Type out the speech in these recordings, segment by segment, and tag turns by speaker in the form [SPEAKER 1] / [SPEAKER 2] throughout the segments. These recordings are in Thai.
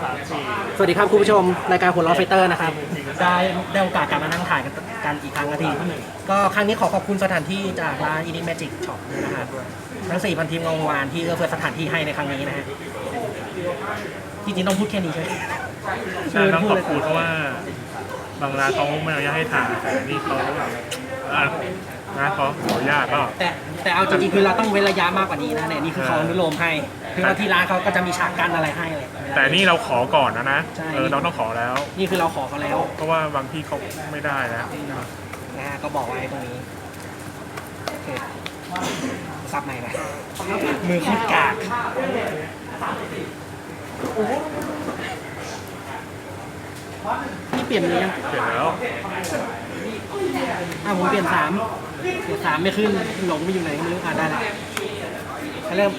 [SPEAKER 1] สวัสดีครับคุณผู้ชมรายการหัวล้อไฟเตอร์นะครับได้โอกาสกลับมานั่งถ่ายกันอีกครั้งนาทีก็ครั้งนี้ขอขอบคุณสถานที่จากร้าน Indie Magic Shop ด้วยนะครับทั้ง 4,000 ทีมงานวานที่เอื้อเฟื้อสถานที่ให้ในครั้งนี้นะฮะจริงๆต้องพูดแค่นี้ใช่ไหม
[SPEAKER 2] ใช่ต้องขอบคุณเพราะว่าบางร้านเขาไม่อนุญาตให้ถ่ายแต่นี่เขานะเขาขออนุญาตก็
[SPEAKER 1] แต่เอาจริงๆคือเราต้องเว้นระยะมากกว่านี้นะเนี่ยนี่คือเขาอนุโลมให้คือว่าที่ร้านเขาก็จะมีฉากกั้นอะไรให้เลย
[SPEAKER 2] แต่นี่เราขอก่อนนะ
[SPEAKER 1] ใช่
[SPEAKER 2] เราต้องขอแล้ว
[SPEAKER 1] นี่คือเราขอเขาแล้ว
[SPEAKER 2] เพราะว่าบางที่เขาไม่ได้นะ
[SPEAKER 1] นะฮะก็บอกไว้ตรงนี้โอเคซับใหม่ไปมือโคตรกากนี่เปลี่ยนเลยยัง
[SPEAKER 2] เสร็จแล้ว
[SPEAKER 1] ผมเปลี่ยน3ไม่ขึ้นหลงไปอยู่ไหนก็ไม่รู้ได้ละเริ่ม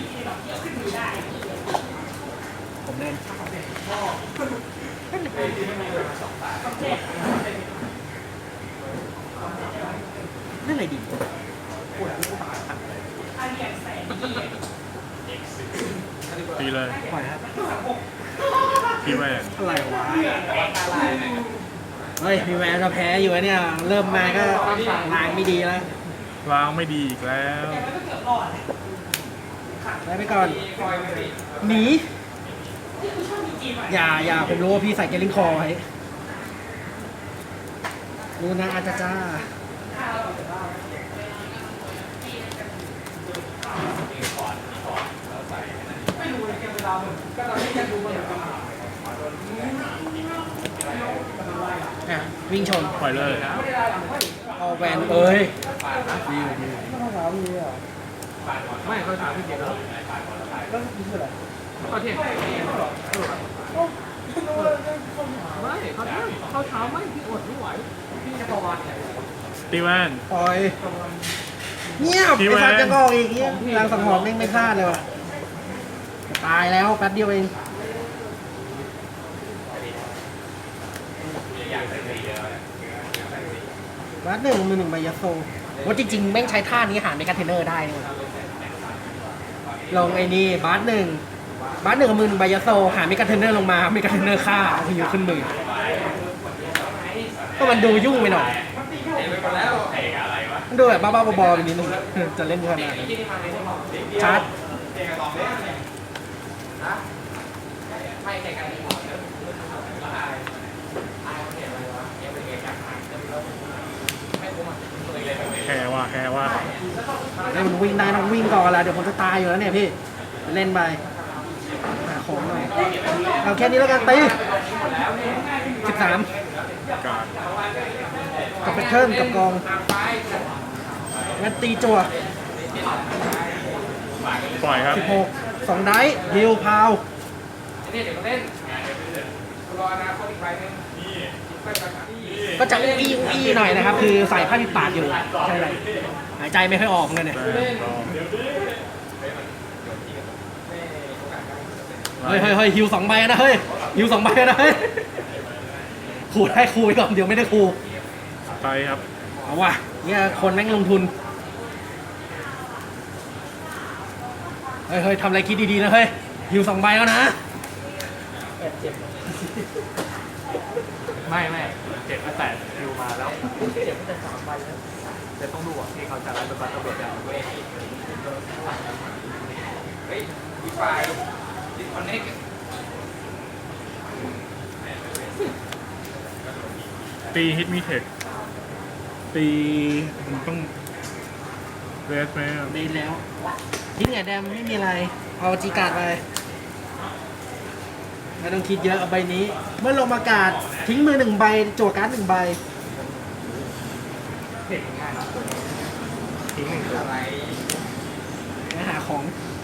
[SPEAKER 1] ผมเล่นเล่นอะไรดี
[SPEAKER 2] ตีเลย
[SPEAKER 1] ปล่อยครับ
[SPEAKER 2] พี่แม่
[SPEAKER 1] อะไรวะเฮ้ยมีแววจะแพ้อยู่เนี่ยเริ่มมาก็ลางไม่ดีแล้ว
[SPEAKER 2] ล้างไม่ดีอีกแล้ว
[SPEAKER 1] ไปก่อนหนีอย่าผมรู้ว่าพี่ใส่เกลิงคอไว้รู้นะอาจารย์จ้าวิ่งชน
[SPEAKER 2] ปล่อยเลย
[SPEAKER 1] เอาแวนเอ้ยไม่เขาถามพี่เกียรติแล้วก็ยิงอะไรเขาเทียบไม่เขาเช้าไม่พี่อดไม่ไหวพี่จะประวัติ
[SPEAKER 2] ตีแว่น
[SPEAKER 1] ปล่อยเงียบ
[SPEAKER 2] พี่
[SPEAKER 1] ไอ้
[SPEAKER 2] แวน
[SPEAKER 1] สัตว์จะงอกอีกเงี้ยรางสังหรณ์แม่งไม่พลาดเลยว่ะตายแล้วแป๊บเดียวเองวัด1 มือ 1ใบยัสโซว่าจริงๆแม่งใช้ท่านี้หาในคอนเทนเนอร์ได้เลยลงไอ้นี่บาส1กับมือ 1ใบยัสโซหาเมกาเทนเนอร์ลงมาเมกาเทนเนอร์ฆ่าเอาพยูขึ้นมือก็มันดูยุ่งไปหน่อยมันดูแบบบ้าๆบอๆไปนิดนึงจะเล่นขนาดนั้นชาร์จ
[SPEAKER 2] แค่ว่า
[SPEAKER 1] ให้มันวิ่งได้ต้องวิ่งก่อนละเดี๋ยวผมจะตายอยู่แล้วเนี่ยพี่เล่นไปหาของหน่อยเอาแค่นี้แล้วกันตี13กับแพทเทิร์นกับกองงั้นตีจั่ว
[SPEAKER 2] ปล่อยครับ
[SPEAKER 1] 16 2 ได้ฮิลพาวก็จะอุ้ยหน่อยนะครับ คือใส่ผ้าปิดปากอยู่ใช่ไหมหายใจไม่ค่อยออกเลยเนี่ยเฮ้ยฮิว2 ใบนะเฮ้ยฮิว2 ใบนะเฮ้ยคูได้คูไปก่อนเดี๋ยวไม่ได้คู
[SPEAKER 2] ไปครับ
[SPEAKER 1] เอาว่ะเนี่ยคนแม่งลงทุนเฮ้ยทำอะไรคิดดีๆนะเฮ้ยฮิว2 ใบแล้วนะ
[SPEAKER 2] ไม่เจ็บตั้งแต่คิวมาแล้วเจ็บตั้งแต่3 ใบแล้วแต่ต้องดูอ่ะที่เขาจะไล่เป็นบัตรตำรวจอย่างด้วยอีไฟดิสคอนเนคตีฮิตมีเทคตีมันต้องเรสไหม
[SPEAKER 1] เบนแล้วทิ้งไงแดมไม่มีอะไรเอาจีการ์ดไปไม่ต้องคิดเยอะเอาใบนี้เมื่อลงอากาศทิ้งมือ1 ใบจั่วการ์ด1 ใบ
[SPEAKER 2] ทิ้งอะไร
[SPEAKER 1] ไปหาของ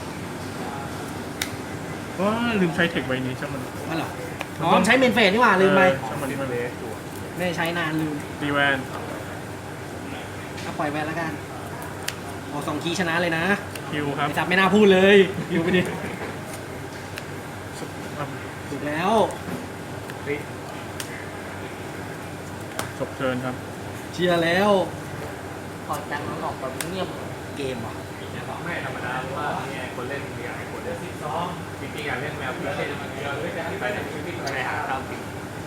[SPEAKER 2] ว่าลืมใช้เทคใบนี้ใช่ไหม
[SPEAKER 1] มาหรออ๋อใช้เมนเฟสนี่หว่าลืมไป
[SPEAKER 2] ใช่มันนี่มาเลส
[SPEAKER 1] ไม่ได้ใช้นานลืม
[SPEAKER 2] ตีแวน
[SPEAKER 1] เอาปล่อยไปแล้วกันเอา2 คีย์ชนะเลยนะ
[SPEAKER 2] คิวครับ
[SPEAKER 1] ไอ้จับไม่น่าพูดเลยอยู่ไปดิถูกแล้ว
[SPEAKER 2] จบเทิร์นครับ
[SPEAKER 1] เชียร์แล้ว
[SPEAKER 3] พอจังมันออกแบบเงียบ
[SPEAKER 1] เกมว่ะ
[SPEAKER 2] ไม่ธรรมดาเพราะว่าคนเล่นมีหลายคน
[SPEAKER 3] จริงๆอ่ะเรื่องแมวพี่เช่มันเยอะเลยไปไหนไปไหนหาข้าวกิน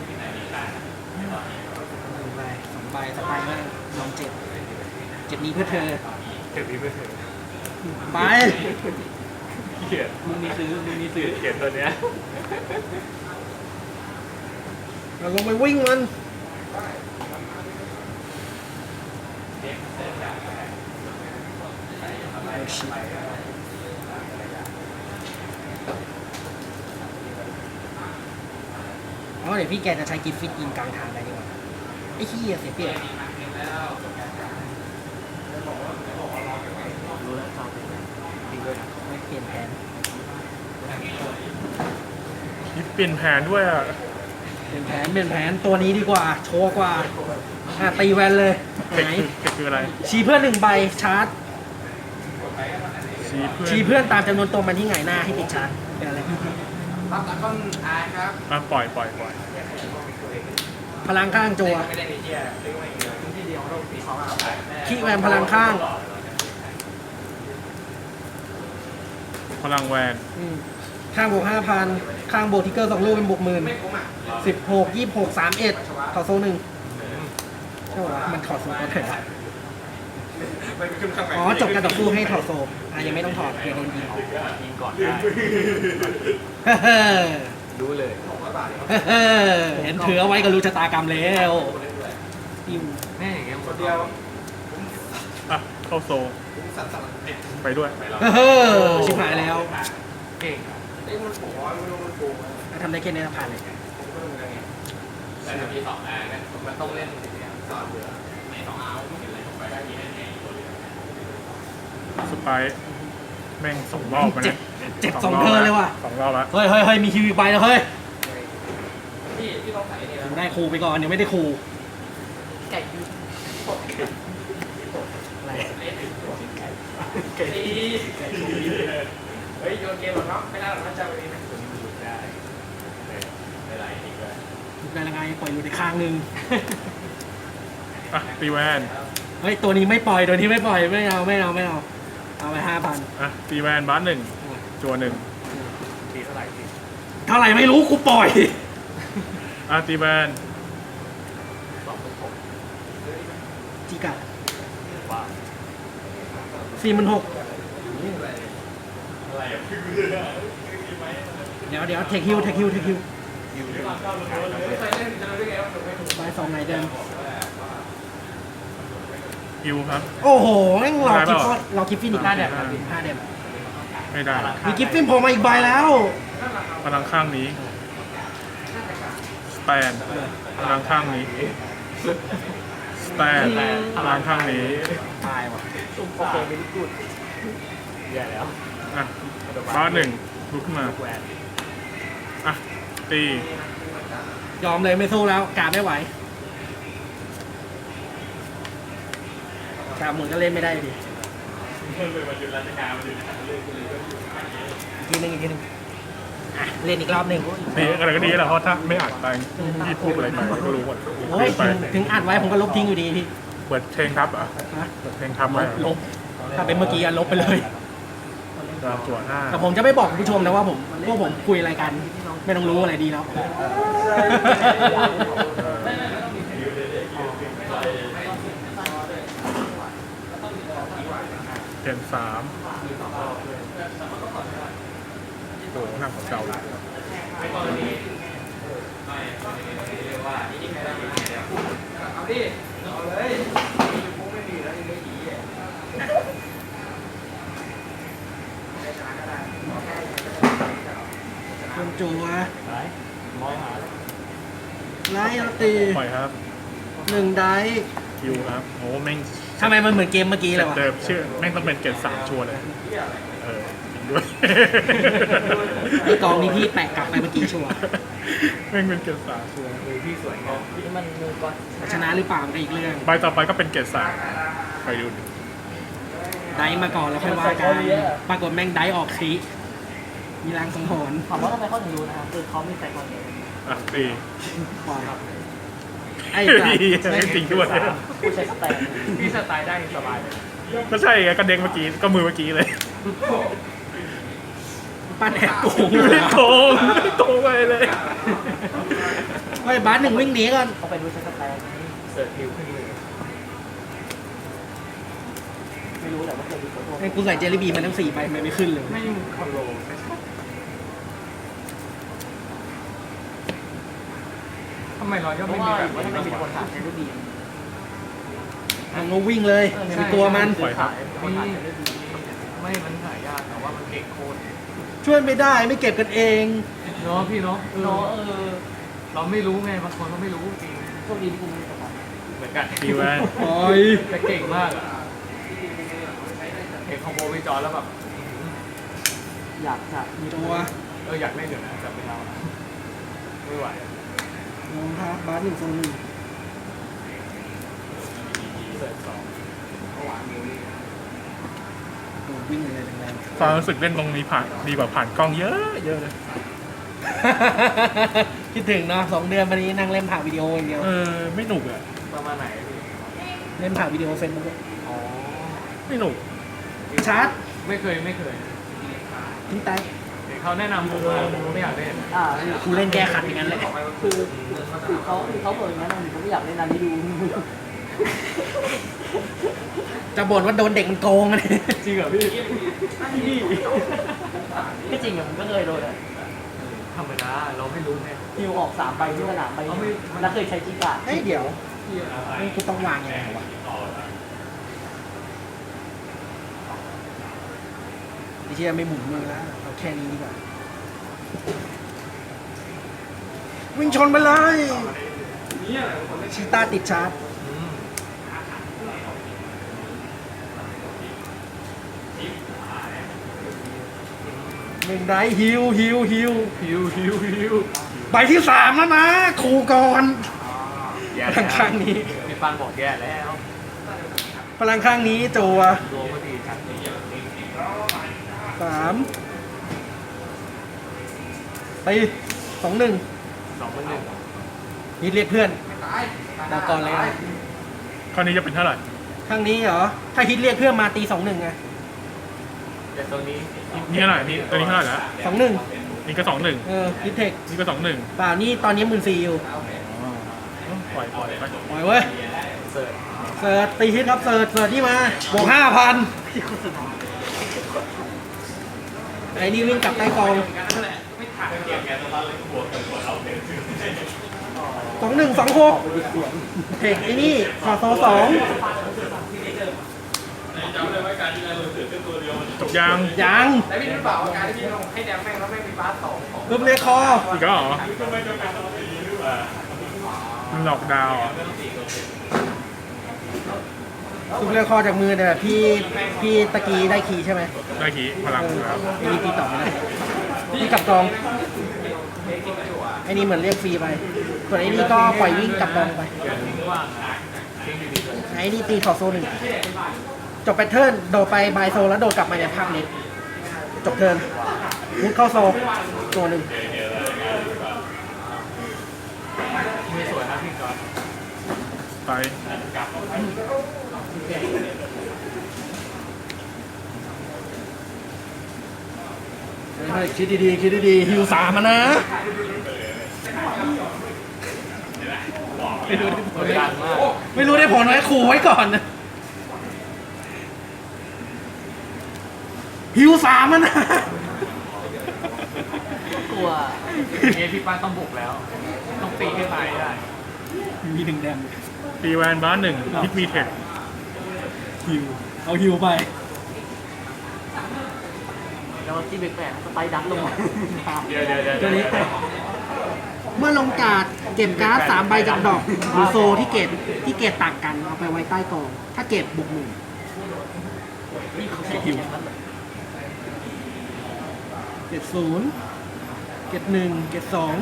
[SPEAKER 1] ใบสองใบสไตล์มากลองเจ็บนี้เพื่อเธอ
[SPEAKER 3] เก็บพี่ไม่ถึง
[SPEAKER 1] ไป
[SPEAKER 3] เขียนมึงมีซื้อเขียนตัวเนี้ย
[SPEAKER 1] เราลงไปวิ่งมันอ๋อเดี๋ยวพี่แกจะใช้กิฟฟิตยิงกลางทางได้ดีกว่าไอ้ขี้ยเสียเปรียบ
[SPEAKER 3] รู้แล้วชอบจริงด้วยนะ
[SPEAKER 1] ไม่เปลี่ยนแผน
[SPEAKER 2] ยิบเปลี่ยนแผนด้วยอ่ะ
[SPEAKER 1] เปลี่ยนแผนตัวนี้ดีกว่า โชว์กว่าตีแวนเลย
[SPEAKER 2] เด็ก
[SPEAKER 1] ไหน
[SPEAKER 2] คืออะไร
[SPEAKER 1] ชี้เพื่อน1 ใบชาร์จ
[SPEAKER 2] ชี้เพื่อน
[SPEAKER 1] ชี้เพื่อนตามจำนวนตัวมันที่หงายหน้าให้ติดชาร์จเป็นอะไร
[SPEAKER 3] ครับตากล้องอายครับ
[SPEAKER 2] อ่ะปล่อย
[SPEAKER 1] พลังข้างจัว
[SPEAKER 3] ไม่ได้ในเที่ยซื้อมาอีกเลยที่เดียวเราตีเขาเอาไป
[SPEAKER 1] ขี้แวนพลังข้าง
[SPEAKER 2] พลังแวน
[SPEAKER 1] ข้างบวก5,000 ข้างบวกทิกเกอร์2 ลูกเป็นบวก10,000 16 26 31ถอดโซ่1ใช่ป่ะมันถอดโซ่ก็เถอะอ๋อจบการต่อสู้ให้ถอดโซ่ยังไม่ต้องถอดเพียงโดนยิงออก
[SPEAKER 3] ยิงก่อนได้รู้เลย
[SPEAKER 1] เห็นถือเอาไว้ก็รู้ชะตากรรมแล้วอิว
[SPEAKER 3] แม่อย่างเงี้ยคนเดียว
[SPEAKER 2] อ่ะเข้าโซไปด้วย
[SPEAKER 1] ชิบหายแล้ว
[SPEAKER 3] เก่งไอ้มันโผล่มันโผล่
[SPEAKER 1] ทำได้แค่นี้ผ่านเลย
[SPEAKER 3] แล้วจะมี2อันมันต้องเล่นสอนเหลือใน2เอาไม่เห็นอะไรไปได้ยินแน่ตัวเดียว
[SPEAKER 2] สไปร์แม่ง2 รอบมา
[SPEAKER 1] เจ็
[SPEAKER 2] เนี่
[SPEAKER 1] บ
[SPEAKER 2] ย
[SPEAKER 1] เจ็บ2 เทิร์นเลยว่ะ
[SPEAKER 2] 2 รอบแล้ว
[SPEAKER 1] เฮ้ยมีคิวอีกใบแล้วเฮ้ย
[SPEAKER 3] ที่ต้องใส่เนี่ย
[SPEAKER 1] ได้ครูไปก่อนเดี๋ยวไม่ได้ครู
[SPEAKER 3] ไก่ยู
[SPEAKER 1] อะไร
[SPEAKER 3] ไก่เฮ้ยโยนเกมหรอเนาะไม่ได้หรอกนะจะไปนี่นะตัวนี้มันหลุดได้ไม่ไรอีกเลย
[SPEAKER 1] ได้ละไงปล่อยอยู่ในข้างนึง
[SPEAKER 2] อ่ะตีแวน
[SPEAKER 1] เฮ้ยตัวนี้ไม่ปล่อยตัวนี้ไม่ปล่อยไม่เอาเอาไป5,000
[SPEAKER 2] อ่ะตีแวนบ้าน1จัว1
[SPEAKER 3] ทีเท่าไหร่ที
[SPEAKER 1] เท่าไหร่ไม่รู้กูปล่อย
[SPEAKER 2] อ่ะตีแวน
[SPEAKER 1] จิกะ
[SPEAKER 3] ว้า
[SPEAKER 1] 46,000
[SPEAKER 3] อะไรอ่ะ
[SPEAKER 1] เดี๋ยวเทคฮิว
[SPEAKER 3] ไม่เคยเล่นจะรู้ได้ไงว่าถูกไม่ถูก
[SPEAKER 1] ใบ2ไหนเดิม
[SPEAKER 2] ฮิวครับ
[SPEAKER 1] โอ้โหแม่งเรา
[SPEAKER 2] ได้
[SPEAKER 1] กิฟ
[SPEAKER 2] เปล่า
[SPEAKER 1] เรากิฟฟินอีก5 เดม5 เดม
[SPEAKER 2] ไม่ได้
[SPEAKER 1] มีกิฟฟินโผล่มาอีกใบแล้ว
[SPEAKER 2] พลังข้างนี้สแตนพลังข้างนี้สแตนพลังข้างนี้
[SPEAKER 1] ตายว่ะ
[SPEAKER 3] โอเคไม่ได้พูดแย่แล้ว
[SPEAKER 2] อ่ะบ้าน1ลุกขึ้นมา
[SPEAKER 3] แหวน
[SPEAKER 2] อ่ะตี
[SPEAKER 1] ยอมเลยไม่สู้แล้วกาไม่ไหวกาหมุนก็เล่นไม่ได้ดิอีกทีหนึงอ่ะเล่นอีกรอบหนึ่ง
[SPEAKER 2] ตีอะไรก็ดีแหละเพราะถ้าไม่อ่านไปพี่พูดอะไรไปก็รู้หมด
[SPEAKER 1] โอ้ย
[SPEAKER 2] ไป
[SPEAKER 1] ถึงอัดไว้ผมก็ลบทิ้งอยู่ดีพี่
[SPEAKER 2] เปิดเพลงทับเหรอ่ะ
[SPEAKER 1] ฮะ
[SPEAKER 2] เปิดเพลงทับไว้
[SPEAKER 1] ลบถ้าเป็นเมื่อกี้ลบไปเลย
[SPEAKER 2] ดาวจั่ว5
[SPEAKER 1] แต่ผมจะไม่บอกคุณผู้ชมนะว่าผมคุยอะไรกัน ไม่ต้องรู้อะไรดีแล้ว
[SPEAKER 2] เปลี่ยน3โอ้โหหนักกว่าเก่าเลย
[SPEAKER 3] เอาดิเอาเลยคงไม่มีแล้วยังไม่ดีอ่ะ
[SPEAKER 1] คุณจูวะ
[SPEAKER 3] มองหา
[SPEAKER 1] ไล่เอาตี
[SPEAKER 2] ปล่อยครับ
[SPEAKER 1] 1 ได้
[SPEAKER 2] คิวครับโอ้แม่ง
[SPEAKER 1] ทำไมมันเหมือนเกมเมื่อกี้เลยวะ
[SPEAKER 2] เดิมชื่อแม่งต้องเป็นเกรด3ชัวร์เลยจริงด้วย
[SPEAKER 1] ไอกองนี้พี่แปะกลับไปเมื่อกี้ชัวร์
[SPEAKER 2] แม่งเป็นเกรด3ชัวร์
[SPEAKER 3] พี่สวยงามนี่มันมือก่อน
[SPEAKER 1] ชนะหรือเปล่ามันก็อีกเรื่อง
[SPEAKER 2] ใบต่อไปก็เป็นเกรด3ไปดูดิ
[SPEAKER 1] ได้มาก่อนแล้วค่อยว่ากันปรากฏแม่งได้ออกคลิมีรางสังหรณ์
[SPEAKER 3] ถามว่าทำไมเขาถึงรู้นะครับคือเขามีใส่ก่อนเลย
[SPEAKER 2] อ่ะตี
[SPEAKER 1] ปล่อยไอ้
[SPEAKER 2] จริงด้วย
[SPEAKER 3] ผู้ใช้สไตล์พี่สไตล์ได้สบายเลย
[SPEAKER 2] ก็ใช่ไงก็เด้งเมื่อกี้ก็มือเมื่อกี้เลย
[SPEAKER 1] ไปปั้นแอบโกง
[SPEAKER 2] ไม่ได้โกงไม่ได้โกงไปเลย
[SPEAKER 1] ไอ้บาสหนึ่งวิ่งหนีก่อน
[SPEAKER 4] เขาไปดูสแตน
[SPEAKER 3] เสิร์ฟฮิวขึ้นมือ
[SPEAKER 4] ไม่รู้แต่ว่าเคยดูโฟโต้
[SPEAKER 1] ไอ้กูใส่เจลลี่บีมันทั้ง4ใบมันไม่ขึ้นเลย
[SPEAKER 3] ไม่คอนโลทำไมรอยย่อ
[SPEAKER 4] เพ
[SPEAKER 3] ไม่
[SPEAKER 4] ราะ
[SPEAKER 3] มี
[SPEAKER 4] ว่า
[SPEAKER 3] แบบ
[SPEAKER 4] ว่าทำไมมีคนถามเจลลี่บี
[SPEAKER 1] มันก็วิ่งเลยไม่มีตัวมัน
[SPEAKER 4] คนถามเจลลี่บี
[SPEAKER 3] ไม่มันหายากแต่ว่ามันเก่งโคตร
[SPEAKER 1] ช่วยไม่ได้ไม่เก็บกันเอง
[SPEAKER 3] เนาะพี่เนาะ
[SPEAKER 4] เนาะ
[SPEAKER 3] เราไม่รู้ไงบางคนเขาไม่รู้จริง
[SPEAKER 4] โชคดีที่กูไม่ได้ตก
[SPEAKER 3] เหมือนกัน
[SPEAKER 2] ตีแวน
[SPEAKER 1] โอ้ย
[SPEAKER 3] แต่เก่งมากอะเห็นคอมโบวิจอร์แล้วแบบ
[SPEAKER 4] อยากจะมี
[SPEAKER 1] ตัว
[SPEAKER 3] อยากเล่นอยู่นะแต่ไม่เอาไม่ไหว
[SPEAKER 1] รองเท้าบาส1 โซน 1
[SPEAKER 3] เสิร์ฟสอง
[SPEAKER 1] โดดวิ่งเลยแรง
[SPEAKER 2] ความรู้สึกเล่นตรงนี้ผ่านดีกว่าผ่านกล้องเยอะเยอะเลย
[SPEAKER 1] ๆ คิดถึงเนาะ2 เดือนวันนี้นั่งเล่นผ่านวิดีโออย่างเดียว
[SPEAKER 2] ไม่หนุกอ่ะ
[SPEAKER 3] ประมาณไหนพี่
[SPEAKER 1] เล่นผ่านวิดีโอเฟซบุ๊ก
[SPEAKER 3] อ๋อ
[SPEAKER 2] ไม่หนุก
[SPEAKER 1] ชาร์จ
[SPEAKER 3] ไม่เคย
[SPEAKER 1] ทิ้งไต
[SPEAKER 3] เห็นเขาแนะนำผมมาผมไม่อยากเล่น
[SPEAKER 1] กูเล่นแก้ขัดอย่างนั้นเลย
[SPEAKER 4] คือเขาบอกอย่างนั้นผมไม่อยากเล่นอันนี้ดู
[SPEAKER 1] จะบ่นว่าโดนเด็กมันโกงอะเนี่ย
[SPEAKER 3] จริงเหรอพี่
[SPEAKER 4] ที่จริงอะผมก็เคยโดนอะ
[SPEAKER 3] ธรรมดาเราไม่รู้ไง
[SPEAKER 4] ฮิวออก3 ใบที่สนามไปแล้วเคยใช้จิกา
[SPEAKER 1] เฮ้ยเดี๋ยวนี่กูต้องวางยังไงวะไอ้เชี่ยไม่หมุนมือแล้วเอาแค่นี้ดีกว่าวิ่งชนไปเลยชีต้าติดชาร์จ หนึ่งได้ฮิว
[SPEAKER 3] ฮิว
[SPEAKER 1] ใบที่3แล้วนะครูก่อน
[SPEAKER 3] แย่
[SPEAKER 1] พลังข้างนี้
[SPEAKER 3] พี่ปานบอกแย่แล้ว
[SPEAKER 1] พลังข้างนี้จัว
[SPEAKER 3] รวมก็ดีจัด
[SPEAKER 1] 3ไป2-1
[SPEAKER 3] 2-1
[SPEAKER 1] นี่เรียกเพื่อนดาวก่อนเลยนะ
[SPEAKER 2] คราวนี้จะเป็นเท่าไหร่
[SPEAKER 1] ข้างนี้เหรอ ถ้าฮิตเรียกเพื่อนมาตี 2-1ไง
[SPEAKER 3] แต่ตัวนี้
[SPEAKER 2] นี่เท่าไหร่นี่ตัวนี้เท่าไหร่แล้ว
[SPEAKER 1] 2-1
[SPEAKER 2] นี่ก็2-1
[SPEAKER 1] ฮิตเทค
[SPEAKER 2] นี่ก็2-1
[SPEAKER 1] เปล่านี่ตอนนี้14,000อยู่
[SPEAKER 2] ปล่อยไป
[SPEAKER 1] ปล่อยเว้ย
[SPEAKER 3] เสิร์ฟ
[SPEAKER 1] เสิร์ชตีฮิตครับเสิร์ชที่มาบวก 5,000 ไอ้นี่วิ่งกลับใต้กอง 2126เทคไอ้นี่ขอโซ2
[SPEAKER 2] จบยัง
[SPEAKER 1] ยัง
[SPEAKER 3] แต่พี่รู้เปล่าว่าการที่พี่ลงให้แดงแม่งแล้วแม่งมีบาส2ของ
[SPEAKER 1] ปึ๊บเรียกคอ
[SPEAKER 2] อีกแล้วเหรอมันหลอกดาวน์อ่ะ
[SPEAKER 1] ปึ๊บเรียกคอจากมือแต่แบบพี่ตะกี้ได้คีย์ใช่ไหม
[SPEAKER 2] ได้ขี่พลังแล้ว
[SPEAKER 1] ไอ้นี่ตีต่อไม่ได้พี่กลับกองไอ้นี่เหมือนเรียกฟรีไปส่วนไอ้นี่ก็ปล่อยวิ่งกลับกองไป
[SPEAKER 3] ว่างทิ้งดีๆเลย
[SPEAKER 1] ไอ้นี่ตีขอโซ1จบแพทเทิร์นโดดไปบายโซแล้วโดดกลับมาในภาคเล็กจบเทิร์นมุดเข้าโซตัวหนึ่ง
[SPEAKER 3] มือสวยนะพี่ก่อน
[SPEAKER 2] ไป
[SPEAKER 1] คิดดีๆคิดดีๆฮิว3มานะไม่รู้ได้ผลไหม
[SPEAKER 3] ดันมาก
[SPEAKER 1] ไม่รู้ได้ผลไหมขู่ไว้ก่อนนะฮิว3มานะ
[SPEAKER 4] กลัว
[SPEAKER 3] เงี้ยพี่ป้านต้องบุกแล้ว ต้องตีให้ตายได้
[SPEAKER 1] มี1แดม
[SPEAKER 2] ตีแวนบ้าน1ฮิตมีเทค
[SPEAKER 1] ฮิวเอาฮิวไป
[SPEAKER 4] แล้วที่แปลกๆสไปดักลงมา
[SPEAKER 3] เดี๋ยว
[SPEAKER 1] ตัวนี้เมื่อลงการ์ดเก็บการ์ด3 ใบจากดอกหรือโซที่เกตต่างกันเอาไปไว้ใต้กอง ถ้าเก็บบวก1
[SPEAKER 4] นี่เขาใช้ฮิว
[SPEAKER 1] เกต0เกต1เกต2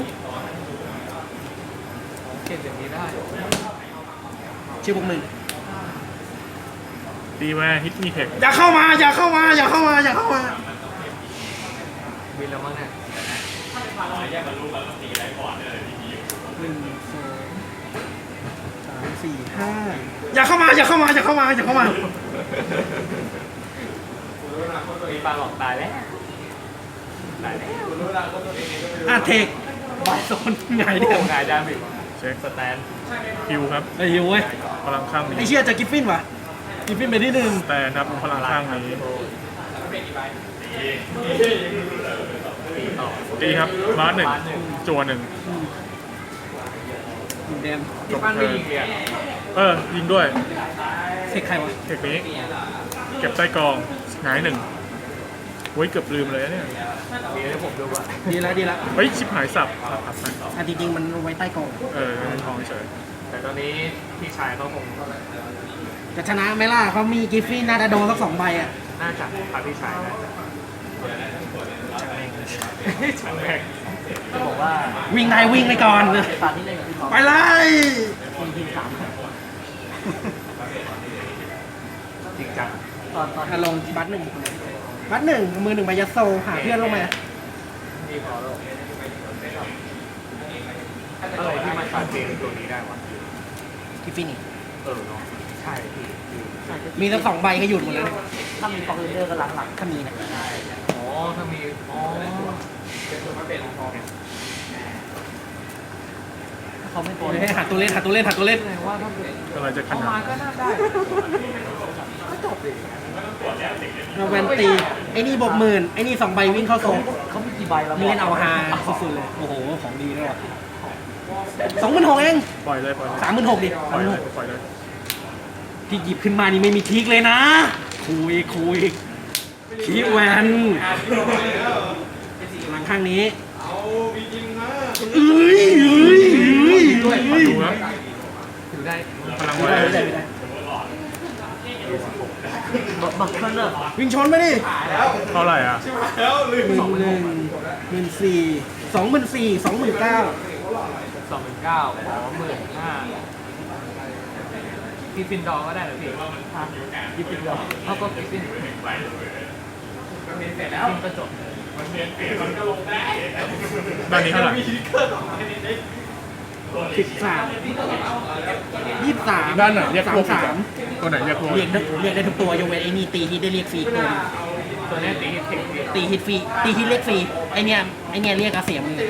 [SPEAKER 3] เก็บอย่างนี้ได้
[SPEAKER 1] ชื่อบวก1
[SPEAKER 2] ตีแวนฮิตมีเทค
[SPEAKER 1] อย่าเข้ามาอย่าเข้ามาอย่าเข้ามาอย่าเข้ามา
[SPEAKER 3] บินแล้วมั้งเนี่ย
[SPEAKER 1] อย่าเข้ามาอย่าเข้ามาอย่าเข้ามาอย่าเข้ามา
[SPEAKER 3] พี่ป้านหลอกตายแล้ว
[SPEAKER 1] เทคบายโซนไง
[SPEAKER 3] โอ้
[SPEAKER 1] เนี่ย
[SPEAKER 3] โหงายได้อีก
[SPEAKER 2] เช็ค
[SPEAKER 3] สแตน
[SPEAKER 2] คิวครับ
[SPEAKER 1] ไอ้เว้ย
[SPEAKER 2] พลังข้าง
[SPEAKER 1] ไอ้
[SPEAKER 2] นี้
[SPEAKER 1] เชี่ยจะกิฟฟินวะกิฟฟินไปที่หนึ่ง
[SPEAKER 2] แต่นับพลังข้างนี้ตีครับบาสหนึ่งจัวหนึ่ง
[SPEAKER 1] แดม
[SPEAKER 3] ที่บ้านไม่ยิงเลยอ่ะ
[SPEAKER 2] ยิงด้วย
[SPEAKER 1] เทคใครวะ
[SPEAKER 2] เทคนี้ เก็บใต้กองหงายหนึ่งเว้ยเกือบลืมเลยนะเนี่ย
[SPEAKER 3] มีให้ผมดูว่า
[SPEAKER 1] ดีแล้วดีแล้ว
[SPEAKER 2] เฮ้ยชิบหายสับไป
[SPEAKER 1] จริงๆมันไว้ใต้กอง
[SPEAKER 2] ทองเฉย
[SPEAKER 3] แต่ตอนนี้พี่ชายเขาคง
[SPEAKER 1] จะชนะไหมล่ะเขามีกิฟฟินน่าจะโดนสัก2 ใบอ่ะ
[SPEAKER 3] น่าจะพาพี่ชายนะช่างแม่ง
[SPEAKER 4] จะบอกว่า
[SPEAKER 1] วิ่งได้วิ่งไปก่อน
[SPEAKER 4] ตอนที่เล่นกับพี่ท็อป
[SPEAKER 1] ไปเลย
[SPEAKER 4] ทีมสาม
[SPEAKER 3] จริงจัง
[SPEAKER 4] ตอน
[SPEAKER 1] ลงบัตหนึ่งมือหนึ่งใบยัดโซหาเพื่อนลงมา
[SPEAKER 3] นี่พอแล้วอะไรที่มันตัดเกมตัวนี้ได้วะ
[SPEAKER 1] กิฟฟินอีก
[SPEAKER 3] เนาะใช่พี่
[SPEAKER 1] มีสัก2 ใบก็หยุดหมดแล้วเนี่ย
[SPEAKER 4] ถ้ามีฟอร์เรนเดอร์ก็หลัง
[SPEAKER 1] ถ้ามีนะ
[SPEAKER 3] อ๋อถ้ามีอ๋อเป็นตัวมาเป็นพอ
[SPEAKER 4] ๆถ้าเขาไม่โกน
[SPEAKER 1] ให้หาตัวเล่นหาตัวเล่นหาตัวเล่น
[SPEAKER 3] แสดงว่าถ้าเกิด
[SPEAKER 2] อะไรจะข
[SPEAKER 3] เอา
[SPEAKER 2] นา
[SPEAKER 3] มา
[SPEAKER 2] ด
[SPEAKER 3] ก็น่าได้ก็จบดิ
[SPEAKER 1] เราแวนตีไอ้นี่บวกหมื่นไอ้นี่2 ใบวิ่งเข้าโซน
[SPEAKER 4] เขามีกี่ใบแล้ว
[SPEAKER 1] นี่เล่นเอาฮาสุดๆเลยโอ้โหของดีด้วยว่ะ26,000เอง
[SPEAKER 2] ปล่อยเลยปล่อยเลย
[SPEAKER 1] 36,000ดิ
[SPEAKER 2] ปล่อยเลยปล่อยเลย
[SPEAKER 1] ที่หยิบขึ้นมานี่ไม่มีทริกเลยนะคุยคีแวนหลังข้างนี้เอ้ย
[SPEAKER 2] มาดูครับ
[SPEAKER 3] ถือได้
[SPEAKER 2] พลัง
[SPEAKER 1] ไม่
[SPEAKER 2] แว
[SPEAKER 1] ได้
[SPEAKER 2] น
[SPEAKER 1] ไม่ได้
[SPEAKER 4] บักเคิลเลอร์
[SPEAKER 1] วิ่งชนไปดิ
[SPEAKER 2] เท่าไหร่อ่ะ
[SPEAKER 1] 11,000 14,000 24,000 29,000
[SPEAKER 3] 29,000อ๋อ15,000พี่ฟินดอร์ก็ได้เหรอพี่พี่ฟินดอร์เขาก็พี่ฟินเสร็จแล้วก็จบ
[SPEAKER 2] ด้านนี้เท่าไหร่
[SPEAKER 1] 13
[SPEAKER 2] ด้านไหนเรียกพวกอีกอะ
[SPEAKER 1] 33
[SPEAKER 2] ตัวไหนเรียกพวก
[SPEAKER 1] เรียกได้ทุกตัวยกเว้นไอ้นี่ตีฮิตได้เรียกฟรีตัว
[SPEAKER 3] ตัวนี้ตีเทค
[SPEAKER 1] ตีฮิตฟรีตีฮิตเรียกฟรีไอเนี้ยเรียกอาเสียมื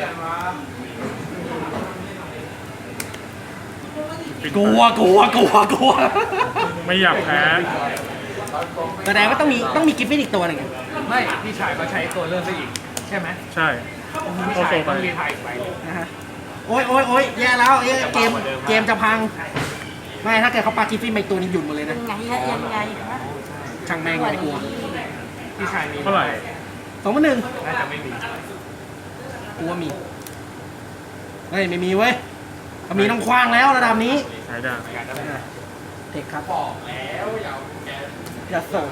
[SPEAKER 1] อกลัว
[SPEAKER 2] ไม่อยากแพ้
[SPEAKER 1] แสดงว่าต้องมีกิฟฟินอีกตัวหนึ่ง
[SPEAKER 3] ไม่พี่ชายก็ใช้ตัวเริ่มไปอีกใช่ไหม
[SPEAKER 2] ใช่
[SPEAKER 3] พี่
[SPEAKER 2] โอ
[SPEAKER 3] ชาย
[SPEAKER 2] โซไป
[SPEAKER 3] ต้องรีไทายอีกไป
[SPEAKER 1] นะฮะโอ้ยแย่แล้วเกมจะพังไม่ถ้าเกิดเขาปากิฟฟินไปตัวนี้หยุดหมดเลยนะ
[SPEAKER 4] ยังไงฮะ
[SPEAKER 1] ช่างแม่งไม่กลัว
[SPEAKER 3] พี่ชายมี
[SPEAKER 2] เท่าไหร่
[SPEAKER 1] 2,100
[SPEAKER 3] น่าจะไม่มี
[SPEAKER 1] กูว่ามีเฮ้ยไม่มีเว้ยเขามีต้องคว้างแล้วระดับนี้
[SPEAKER 2] หายได้
[SPEAKER 3] อยากจะไม่ได้
[SPEAKER 1] เทคครับอย่าส่ง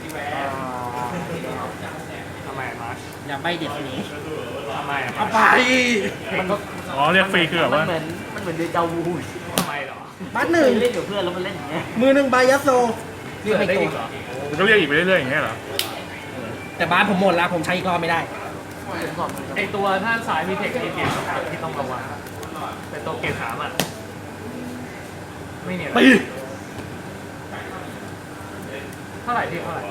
[SPEAKER 3] ทำไมมาร์ช
[SPEAKER 1] อย่าใบเด็ดหนี
[SPEAKER 3] ทำไมอะ
[SPEAKER 1] เอาไป
[SPEAKER 3] มันก็
[SPEAKER 2] อ๋อเรียกฟรีคือแบบ
[SPEAKER 4] มัน
[SPEAKER 2] ว่า
[SPEAKER 4] เหมือนเดจาวู
[SPEAKER 3] ทำไมเหรอ
[SPEAKER 1] บัตหนึ่ง
[SPEAKER 4] เล่นกับเพื่อนแล้วมันเล่นอย่างเงี้ย
[SPEAKER 1] มือหนึ่งใบยัสโซเรียกไป
[SPEAKER 3] ได้
[SPEAKER 1] ตั
[SPEAKER 3] อี
[SPEAKER 1] ว
[SPEAKER 3] กเหรอ
[SPEAKER 2] มันก็เรียกอีกไปเรื่อยๆอย่างเงี้ยเหรอ
[SPEAKER 1] แต่บ้านผมหมดแล้วผมใช้อีกรอบไม่ได้
[SPEAKER 3] ไอตัวท่านสายมีเทคนิคเกมที่ต้องระวังเป็นตัวเกม3อ่ะไม่เนี่ย
[SPEAKER 1] ปี
[SPEAKER 3] เท่าไหร่พี่เท่าไหร่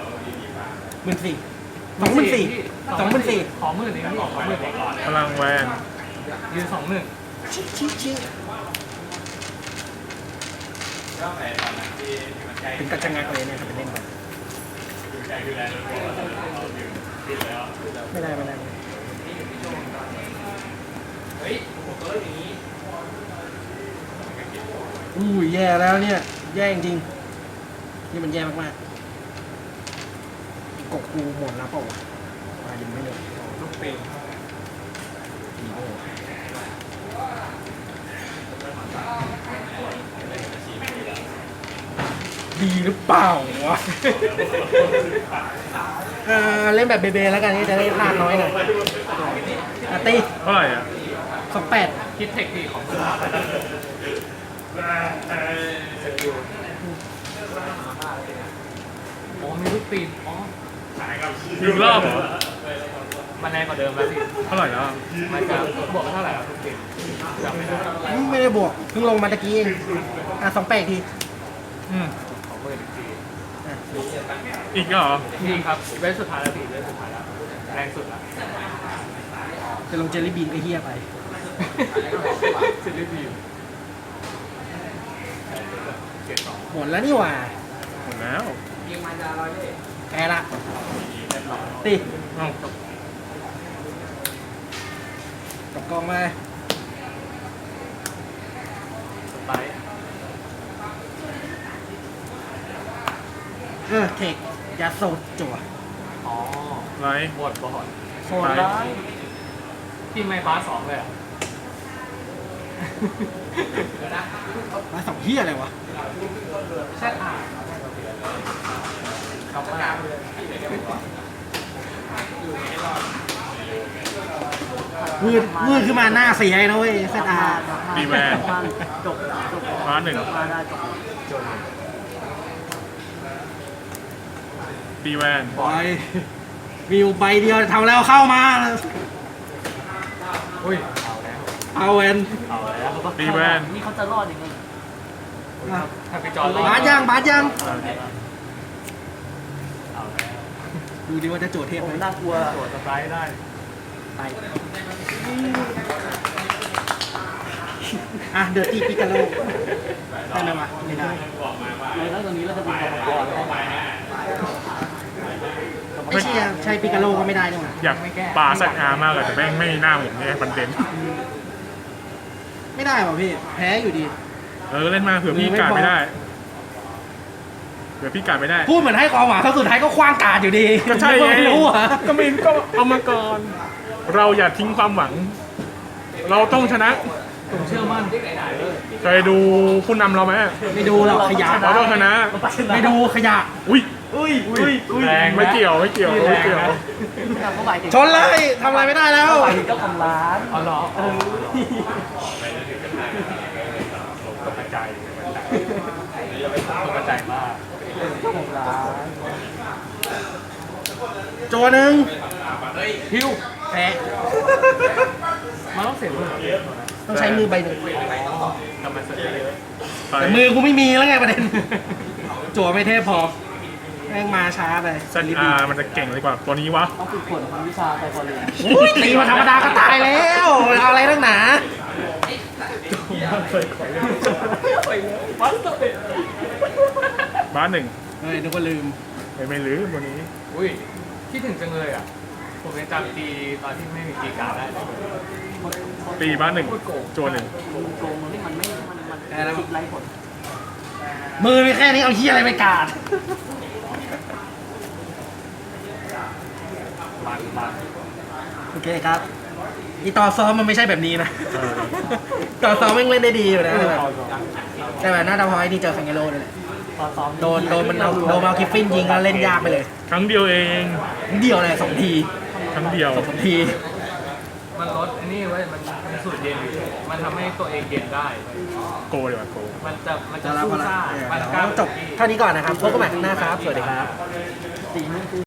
[SPEAKER 1] 14,000 24,000
[SPEAKER 3] ขอหมื่นเองพี่ขอหมื่นเอง
[SPEAKER 2] พลังแวน
[SPEAKER 3] ยืน21,000
[SPEAKER 1] ชิถึงกับชะงักเลยเนี่ยถ้าไปเล่นแบบไม่ได้ อู้ยแย่แล้วเนี่ย แย่จริงๆนี่มันแย่มากๆไอ้กบกูหมดแล้วเปล่าวะมายังไม่หมด
[SPEAKER 3] ลูกเป็น
[SPEAKER 1] ดีหรือเปล่าวะ เล่นแบบเบเบแล้วกันนี่จะได้พลาดน้อยหน่อยตี
[SPEAKER 2] เท่าไหร่อ่ะ
[SPEAKER 1] 28
[SPEAKER 3] คิดเทคนิคของคุณสกิลอ๋อมีลูกปีนอ๋อ
[SPEAKER 2] อีกรอบเหรอ
[SPEAKER 3] มันแรงกว่าเดิมแล้วพี่
[SPEAKER 2] เท่าไหร่แล้ว
[SPEAKER 3] มันจะบวกเท่าไหร่ครับลูกปีนจำไม่ได้
[SPEAKER 1] ไม่ได้บวกเพิ่งลงมาตะกี้เอง28ที
[SPEAKER 2] อืม
[SPEAKER 3] ของหมื่นอีกที
[SPEAKER 1] อ่ะ
[SPEAKER 2] อีกเหรอ
[SPEAKER 3] นี่ครับเวทสุดท้ายแล้วพี่เวทสุดท้ายแล้วแรงสุดแล้ว
[SPEAKER 1] จะลงเจลลี่บีนไอ้เหี้ยไป
[SPEAKER 3] เซเลบีม
[SPEAKER 1] หมดแล้วนี่หว่า
[SPEAKER 2] หมดแล้ว
[SPEAKER 3] ยิงมันจะร้อยเลย
[SPEAKER 1] แพ้ละตี
[SPEAKER 2] เอ้า
[SPEAKER 1] กับกองมา
[SPEAKER 3] สไปร์
[SPEAKER 1] เทคยาโซจั่ว
[SPEAKER 3] อ๋อ
[SPEAKER 2] ไร
[SPEAKER 3] หมดบอด
[SPEAKER 4] โซนร้าย
[SPEAKER 3] ที่ไม่ฟ้า2เลยอ่ะเดี๋ยวนะ
[SPEAKER 1] มาสองเหี้ยอะไรวะ
[SPEAKER 3] แช่อ่านครับมา
[SPEAKER 1] มืดขึ้นมาหน้าเสียนะเว้ยเซตอา
[SPEAKER 2] ตีแวน
[SPEAKER 4] จบ
[SPEAKER 2] ฟ้าหนึ่ง
[SPEAKER 4] มาได้จบ
[SPEAKER 3] จน
[SPEAKER 2] ตีแวน
[SPEAKER 1] บอยมีอยู่ใบเดียวทำแล้วเข้ามา
[SPEAKER 3] อุ้ยเอาแล้ว
[SPEAKER 1] เอาเวน
[SPEAKER 3] เอาแล้ว
[SPEAKER 2] ตีแวน
[SPEAKER 4] นี่เขาจะรอดยังไง
[SPEAKER 3] ถ้าไปจอด
[SPEAKER 1] บาสยัง
[SPEAKER 3] เอาแล้ว
[SPEAKER 1] ดูดิว่าจะโจทย์เทพ
[SPEAKER 4] โอ้
[SPEAKER 1] ไหม
[SPEAKER 4] น่ากลัว
[SPEAKER 3] ตรวจสไปร์ได้
[SPEAKER 1] ไปอ่ะเดอร์ตี้ปิกาโลได้ไหมวะไม่ได้
[SPEAKER 4] เลยแล้วตอนนี้เราจะเป็นกรรมกรแล้ว
[SPEAKER 1] ไม่ใช่ใช่ปิกาโลก็ไม่ได้นี่หว่า
[SPEAKER 2] อยากป่าสัตว์อามากเลยแต่แม่งไม่มีหน้าผมเนี่ยมันเด่น
[SPEAKER 1] ไม่ได้ป่ะพี่แพ้อยู่ดี
[SPEAKER 2] เล่นมาเผื่อพี่การไม่ได้เผื่อพี่การไม่ได้
[SPEAKER 1] พูดเหมือนให้ความหวังครั้งสุดท้ายก็คว้างการดอยู่ดี
[SPEAKER 2] ก็ใช่ไง
[SPEAKER 1] ไม่รู้อ่ะ
[SPEAKER 2] ก็ไม่ก็เอามาก่อน เราอย่าทิ้งความหวัง เราต้องชนะ
[SPEAKER 3] ผมเชื่อมั่น
[SPEAKER 2] เคยดูผู้นำเราไหม
[SPEAKER 1] ไม่ดูหรอกขยะ
[SPEAKER 2] เราต้องชนะ
[SPEAKER 1] ไม่ดูขยะ
[SPEAKER 2] อุ้ย
[SPEAKER 3] แรงนะ
[SPEAKER 2] ไม่เกี่ยวไม่เกี่ยวไม่เกี่ยว
[SPEAKER 4] เขาหมายถึง
[SPEAKER 1] ชนเลยทำอะไรไม่ได้แล้ว
[SPEAKER 4] เขาหมายถึงเจ้าของร้าน
[SPEAKER 3] อ๋อเหรอ
[SPEAKER 2] ตกใจ
[SPEAKER 3] ตกใจมาก
[SPEAKER 4] เจ้าของร้าน
[SPEAKER 1] โจหนึ่ง
[SPEAKER 3] ฮิว
[SPEAKER 1] แพ้
[SPEAKER 3] มันต้องเสียมือ
[SPEAKER 1] ต้องใช้มือใบหนึ่ง
[SPEAKER 3] ทำมันเสียเยอะ
[SPEAKER 2] ไป
[SPEAKER 1] แต่มือกูไม่มีแล้วไงประเด็น จั่วไม่เทพพอแม่งมาช้าไป
[SPEAKER 2] สัตว์อามันจะเก่งเลยกว่าตัวนี้วะ
[SPEAKER 4] ต้องฝึกฝนทางวิชาไซโคโลจี
[SPEAKER 1] อุ้ยตีมาธรรมดาก็ตายแล้วเอาอะไรนักหนา
[SPEAKER 2] บ้านหนึ่ง
[SPEAKER 1] เฮ้ยนึกว่าลืม
[SPEAKER 2] ไม่ลืมวันนี้
[SPEAKER 3] อุ้ยคิดถึงจังเลยอ่ะ ผมยังจำตีตอนที่ไม่มีตีการได้เลย
[SPEAKER 2] ตีบ้านหนึ่งโจหนึ่ง
[SPEAKER 4] โกงนี่มันไม่มันคิดไร้ผล
[SPEAKER 1] มือมีแค่นี้เอาเฮียอะไรไปกาด
[SPEAKER 3] มัน
[SPEAKER 1] โอเคครับอีต่อซ้อมมันไม่ใช่แบบนี้นะ ต่อซ้อมแม่งเล่นได้ดีอยู่นะแต่แบบหน้าดาวพอยนี่เจอคังเกโร่เลยแหละ
[SPEAKER 4] ตอนซ้อม
[SPEAKER 1] โดนมันเอาคิฟฟินยิงแล้วเล่นยากไปเลย
[SPEAKER 2] ครั้งเดียวเอง
[SPEAKER 1] เดียวเลย2 ที
[SPEAKER 2] ครั้งเดียว
[SPEAKER 1] 2 ที
[SPEAKER 3] มันลดไอ้นี่ไว้ยมันสูดเย็นอยู่มันทำให้ตัวเองเย็นได้
[SPEAKER 2] โกดีกว่าโก
[SPEAKER 3] มันจะ
[SPEAKER 1] จะรับ
[SPEAKER 3] สู้
[SPEAKER 1] พลัง
[SPEAKER 3] ซ่ามันกล้า
[SPEAKER 1] จบเท่านี้ก่อนนะครับพบกันใหม่ครั้งหน้าครับ สวัสดีครับ
[SPEAKER 4] สีนึงคือ